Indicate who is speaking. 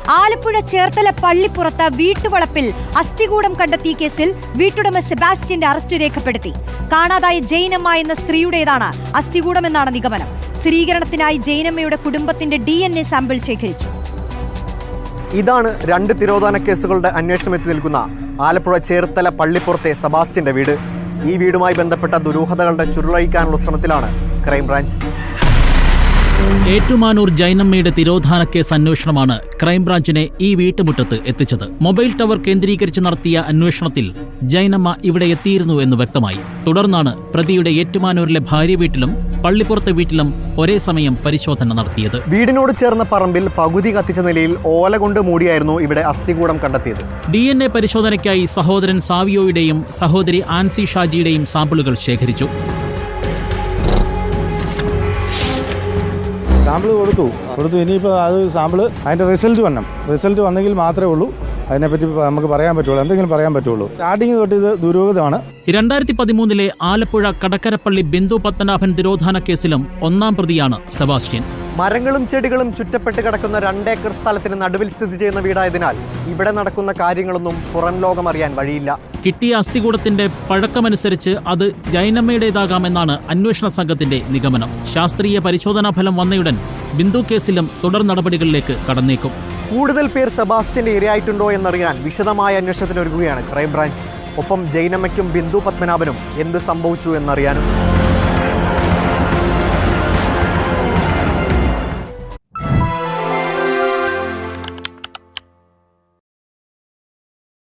Speaker 1: ആലപ്പുഴ ചേർത്തല പള്ളിപ്പുറത്ത് വീട്ടുവളപ്പിൽ അസ്ഥികൂടം കണ്ടെത്തിയ കേസിൽ വീട്ടുടമ സെബാസ്റ്റ്യന്റെ അറസ്റ്റ് രേഖപ്പെടുത്തി. കാണാതായ ജൈനമ്മ എന്ന സ്ത്രീയുടേതാണ് അസ്ഥികൂടമെന്നാണ് നിഗമനം. സ്ഥിരീകരണത്തിനായി ജൈനമ്മയുടെ കുടുംബത്തിന്റെ DNA സാമ്പിൾ ശേഖരിച്ചു.
Speaker 2: ഇതാണ് 2 തിരോധാന കേസുകളുടെ അന്വേഷണം എത്തി നിൽക്കുന്ന ആലപ്പുഴ ചേർത്തല പള്ളിപ്പുറത്തെ സെബാസ്റ്റ്യന്റെ വീട്. ഈ വീടുമായി ബന്ധപ്പെട്ട ദുരൂഹതകളുടെ ചുരുളഴിക്കാനുള്ള ശ്രമത്തിലാണ് ക്രൈംബ്രാഞ്ച്.
Speaker 3: ഏറ്റുമാനൂർ ജൈനമ്മയുടെ തിരോധാന കേസ് അന്വേഷണമാണ് ക്രൈംബ്രാഞ്ചിനെ ഈ വീട്ടുമുറ്റത്ത് എത്തിച്ചത്. മൊബൈൽ ടവർ കേന്ദ്രീകരിച്ച് നടത്തിയ അന്വേഷണത്തിൽ ജൈനമ്മ ഇവിടെ എത്തിയിരുന്നു എന്ന് വ്യക്തമായി. തുടർന്നാണ് പ്രതിയുടെ ഏറ്റുമാനൂരിലെ ഭാര്യ വീട്ടിലും പള്ളിപ്പുറത്തെ വീട്ടിലും ഒരേ സമയം പരിശോധന നടത്തിയത്.
Speaker 2: വീടിനോട് ചേർന്ന പറമ്പിൽ പകുതി കത്തിച്ച നിലയിൽ ഓല കൊണ്ട് മൂടിയായിരുന്നു ഇവിടെ അസ്ഥികൂടം കണ്ടെത്തിയത്.
Speaker 3: DNA പരിശോധനയ്ക്കായി സഹോദരൻ സാവിയോയുടെയും സഹോദരി ആൻസി ഷാജിയുടെയും സാമ്പിളുകൾ ശേഖരിച്ചു.
Speaker 4: സാമ്പിൾ കൊടുത്തു. ഇനിയിപ്പോൾ അത് സാമ്പിൾ അതിൻ്റെ റിസൾട്ട് വന്നെങ്കിൽ മാത്രമേ ഉള്ളൂ അതിനെപ്പറ്റി നമുക്ക് പറയാൻ പറ്റുള്ളൂ, എന്തെങ്കിലും പറയാൻ പറ്റുള്ളൂ. സ്റ്റാർട്ടിങ് തൊട്ട് ഇത് ദുരൂഹതയാണ്.
Speaker 3: 2013 ആലപ്പുഴ കടക്കരപ്പള്ളി ബിന്ദു പത്മനാഭൻ തിരോധാന കേസിലും 1-ാം പ്രതിയാണ് സെബാസ്റ്റ്യൻ.
Speaker 2: മരങ്ങളും ചെടികളും ചുറ്റപ്പെട്ട് കിടക്കുന്ന 2 ഏക്കർ സ്ഥലത്തിന് നടുവിൽ സ്ഥിതി ചെയ്യുന്ന വീടായതിനാൽ ഇവിടെ നടക്കുന്ന കാര്യങ്ങളൊന്നും പുറം ലോകം അറിയാൻ വഴിയില്ല.
Speaker 3: കിട്ടിയ അസ്ഥികൂടത്തിന്റെ പഴക്കമനുസരിച്ച് അത് ജൈനമ്മയുടേതാകാമെന്നാണ് അന്വേഷണ സംഘത്തിന്റെ നിഗമനം. ശാസ്ത്രീയ പരിശോധനാ ഫലം വന്നയുടൻ ബിന്ദു കേസിലും തുടർ നടപടികളിലേക്ക് കടന്നേക്കും.
Speaker 2: കൂടുതൽ പേർ സെബാസ്റ്റ്യന്റെ ഇരയായിട്ടുണ്ടോ എന്നറിയാൻ വിശദമായ അന്വേഷണത്തിനൊരുങ്ങുകയാണ് ക്രൈംബ്രാഞ്ച്. ഒപ്പം ജൈനമ്മയ്ക്കും ബിന്ദു പത്മനാഭനും എന്ത് സംഭവിച്ചു എന്നറിയാനും.